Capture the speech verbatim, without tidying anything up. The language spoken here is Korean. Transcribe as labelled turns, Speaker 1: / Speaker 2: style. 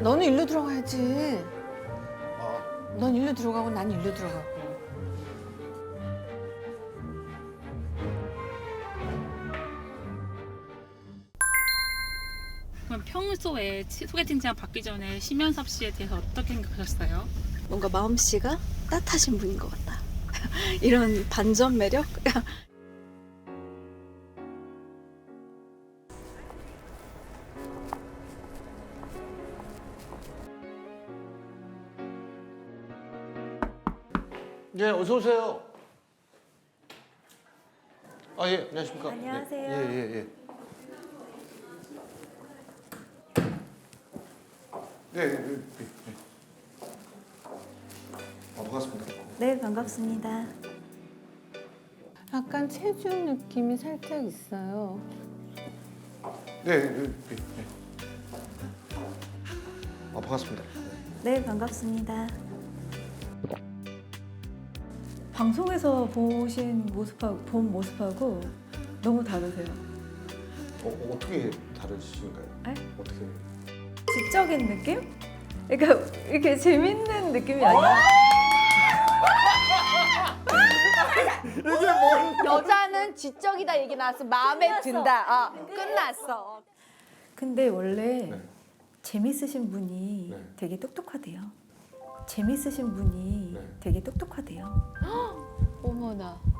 Speaker 1: 너는 일로 들어가야지.
Speaker 2: 아,
Speaker 1: 넌 일로 들어가고 난 일로 들어가고.
Speaker 3: 그럼 평소에 치- 소개팅장 받기 전에 심연섭 씨에 대해서 어떻게 생각하셨어요?
Speaker 4: 뭔가 마음씨가 따뜻하신 분인 것 같다. 이런 반전 매력?
Speaker 2: 네, 어서 오세요. 아, 예, 안녕하십니까.
Speaker 4: 안녕하세요.
Speaker 2: 네, 예, 예, 예. 네, 네, 네, 네. 아, 반갑습니다.
Speaker 4: 네, 반갑습니다.
Speaker 1: 약간 체중 느낌이 살짝 있어요.
Speaker 2: 네, 네, 네, 네. 아, 반갑습니다.
Speaker 4: 네, 반갑습니다.
Speaker 5: 방송에서 보신 모습하고 본 모습하고 너무 다르세요.
Speaker 2: 어, 어, 어떻게 다르신가요?
Speaker 5: 에?
Speaker 2: 어떻게?
Speaker 5: 지적인 느낌? 그러니까 이렇게 재밌는 느낌이 아니라
Speaker 6: 여자는 지적이다 얘기 나왔어. 마음에 든다. 어, 끝났어.
Speaker 5: 근데 원래
Speaker 2: 네.
Speaker 5: 재밌으신 분이
Speaker 2: 네.
Speaker 5: 되게 똑똑하대요. 재밌으신 분이
Speaker 2: 네.
Speaker 5: 되게 똑똑하대요.
Speaker 1: 어머나.